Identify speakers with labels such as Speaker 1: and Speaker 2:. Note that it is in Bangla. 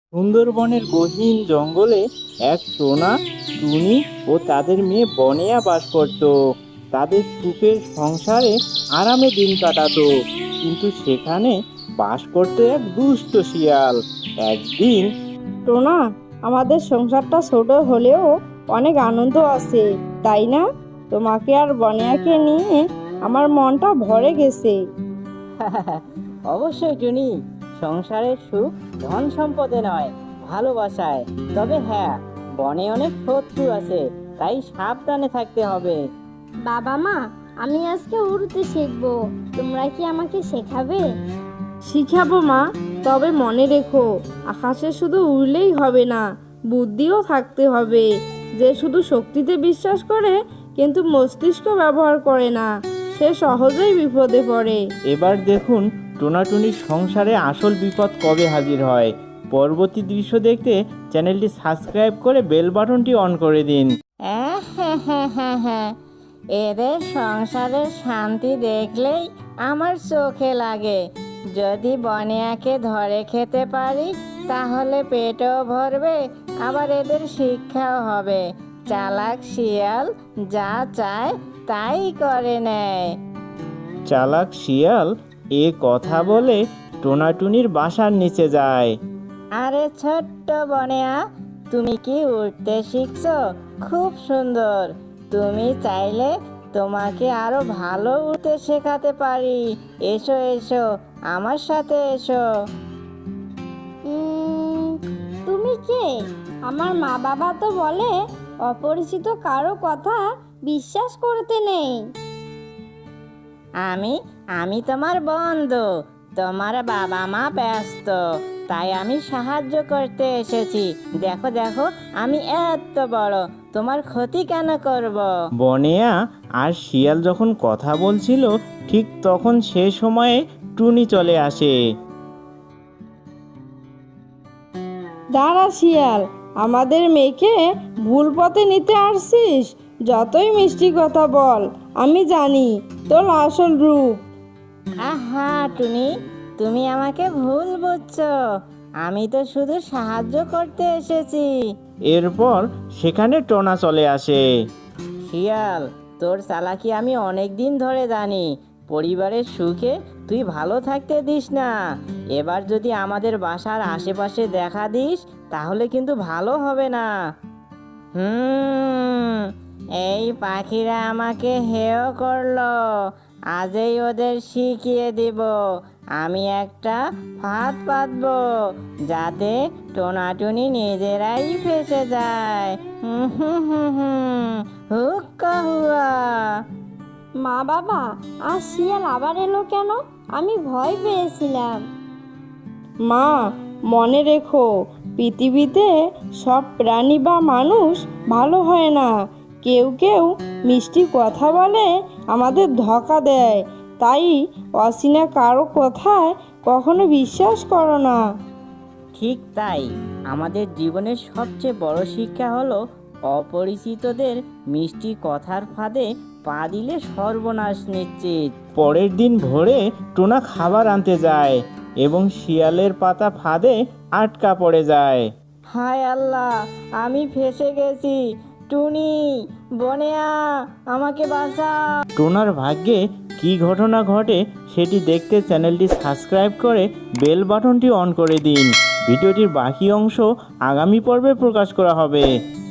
Speaker 1: সুন্দরবনের গহীন জঙ্গলে এক টোনা, টুনি ও তাদের মেয়ে বনেয়া বাস করত। তাদের সুখের সংসারে আরামে দিন কাটাতো। কিন্তু সেখানে বাস করতো এক দুষ্ট শিয়াল। একদিন
Speaker 2: টোনা, আমাদের সংসারটা ছোট হলেও অনেক আনন্দ আছে, তাই না? তোমাকে আর বনিয়াকে নিয়ে আমার মনটা ভরে গেছে।
Speaker 3: অবশ্যই টুনি, সংসারের সুখ ধন সম্পদে নয়, ভালোবাসায়। তবে হ্যাঁ, বনে অনেক শত্রু আছে, তাই সাবধানে থাকতে হবে।
Speaker 4: বাবা মা, আমি আজকে উড়তে শিখবো, তোমরা কি আমাকে শেখাবে?
Speaker 2: শিখাবো মা, তবে মনে রেখো, আকাশে শুধু উড়লেই হবে না, বুদ্ধিও থাকতে হবে। যে শুধু শক্তিতে বিশ্বাস করে কিন্তু মস্তিষ্ক ব্যবহার করে না, সে সহজেই বিপদে পড়ে।
Speaker 1: এবার দেখুন টোনাটুনির সংসারে আসল বিপদ কবে হাজির হয়। পরবর্তী দৃশ্য দেখতে চ্যানেলটি সাবস্ক্রাইব করে বেল বাটনটি অন করে দিন।
Speaker 3: এদের সংসারের শান্তি দেখলেই আমার চোখে লাগে। যদি বনেয়াকে ধরে খেতে পারি তাহলে পেটও ভরবে, আবার এদের শিক্ষাও হবে। চালাক শিয়াল যা চায় তাই করে নেয়।
Speaker 1: চালাক শিয়াল এ কথা বলে টোনাটুনির বাসার নিচে যায়।
Speaker 3: আরে ছোট্ট বনেয়া, তুমি কি উঠতে শিখছো? খুব সুন্দর। তুমি চাইলে তোমাকে আরো ভালো উঠতে শেখাতে পারি। এসো এসো, আমার সাথে এসো।
Speaker 4: উম, তুমি কে? আমার মা বাবা তো বলে অপরিচিত কারো কথা বিশ্বাস করতে নেই।
Speaker 3: আমি আমি তোমার বন্ধু। তোমার বাবা মা ব্যস্ত, তাই আমি সাহায্য করতে এসেছি। দেখো দেখো, আমি এত বড়, তোমার ক্ষতি কেন করব?
Speaker 1: বনেয়া আর শিয়াল যখন কথা বলছিল ঠিক তখন সে সময়ে টুনি চলে আসে।
Speaker 2: দাঁড়া শিয়াল, আমাদের মেয়েকে ভুল পথে নিতে আসছিস? যতই মিষ্টি কথা বল, আমি জানি তোর আসল রূপ।
Speaker 3: আহা টুনি, তুমি আমাকে ভুল বুঝছো। আমি তো শুধু সাহায্য করতে এসেছি।
Speaker 1: এরপর সেখানে টোনা চলে আসে।
Speaker 3: শিয়াল, তোর চালাকি আমি অনেক দিন ধরে জানি। পরিবারের সুখে তুই ভালো থাকতে দিস না। এবার যদি আমাদের বাসার আশেপাশে দেখা দিস তাহলে কিন্তু ভালো হবে না। হুম, এই পাখিরা আমাকে হেয় করলো। আজই ওদের শিখিয়ে দিব। আমি একটা ফাঁদ পাতবো যাতে টোনাটুনি নিজেরাই ফেসে যায়। হুম হুম হুম হুম, হুক্কা হুয়া।
Speaker 4: মা বাবা, আর শিয়াল আবার এলো কেন? আমি ভয় পেয়েছিলাম।
Speaker 2: মা, মনে রেখো, পৃথিবীতে সব প্রাণী বা মানুষ ভালো হয় না। কেউ কেউ মিষ্টি কথা বলে আমাদের ধোঁকা দেয়, তাই অচেনা কারো কথায় কখনো বিশ্বাস করো না।
Speaker 3: ঠিক তাই, আমাদের জীবনের সবচেয়ে বড় শিক্ষা হলো অপরিচিতদের মিষ্টি কথার ফাঁদে পা দিলে সর্বনাশ নিশ্চিত।
Speaker 1: পরের দিন ভোরে টোনা খাবার আনতে যায় এবং শিয়ালের পাতা ফাঁদে আটকা পড়ে যায়।
Speaker 3: হায় আল্লাহ, আমি ফেসে গেছি। টুনি, বনেয়া, আমাকে বাঁচা।
Speaker 1: টোনার ভাগ্যে কী ঘটনা ঘটে সেটি দেখতে চ্যানেলটি সাবস্ক্রাইব করে বেল বাটনটি অন করে দিন। ভিডিওটির বাকি অংশ আগামী পর্বে প্রকাশ করা হবে।